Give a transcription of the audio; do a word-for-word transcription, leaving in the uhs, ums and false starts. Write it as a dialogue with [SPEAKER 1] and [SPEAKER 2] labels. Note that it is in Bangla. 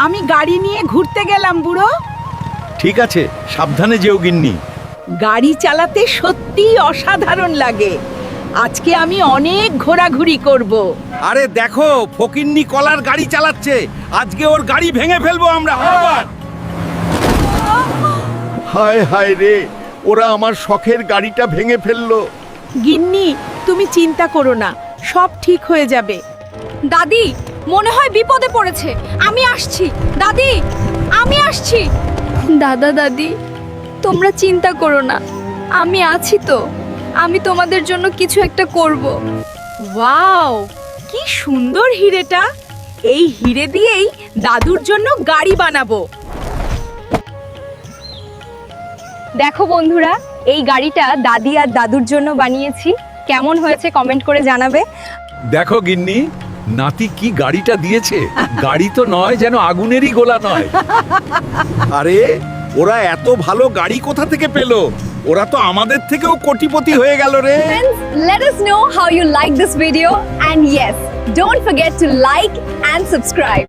[SPEAKER 1] আমি গাড়ি নিয়ে ঘুরতে গেলাম বুড়ো।
[SPEAKER 2] ঠিক আছে, সাবধানে যেও গিন্নি।
[SPEAKER 1] গাড়ি চালাতে সত্যিই অসাধারণ লাগে। আজকে আমি অনেক ঘোরাঘুরি করব।
[SPEAKER 2] আরে দেখো, ফকিন্নি কলার গাড়ি চালাচ্ছে। আজকে ওর গাড়ি ভেঙে ফেলবো আমরা। আবার হায় হায় রে, ওরা আমার শখের গাড়িটা ভেঙে ফেললো।
[SPEAKER 1] গিন্নি, তুমি চিন্তা করো না, সব ঠিক হয়ে যাবে।
[SPEAKER 3] দাদি, মনে হয় বিপদে পড়েছে। আমি আসছি দাদি, আমি আসছি। দাদা দাদি, তোমরা চিন্তা করো না, আমি আছি তো। আমি তোমাদের জন্য কিছু একটা করব।
[SPEAKER 1] ওয়াও, কি সুন্দর হিরেটা! এই হিরে দিয়েই দাদুর জন্য গাড়ি বানাবো।
[SPEAKER 3] দেখো বন্ধুরা, এই গাড়িটা দাদি আর দাদুর জন্য বানিয়েছি। কেমন হয়েছে কমেন্ট করে জানাবে।
[SPEAKER 2] দেখো গিন্নি, নাতি কি গাড়িটা দিয়েছে। গাড়ি তো নয়, যেন আগুনেরই গোলা নয়। আরে ওরা এত ভালো গাড়ি কোথা থেকে পেলো? ওরা তো আমাদের থেকেও কোটিপতি হয়ে গেল রে।
[SPEAKER 3] Friends, let us know how you like this video, and yes, don't forget to like and subscribe.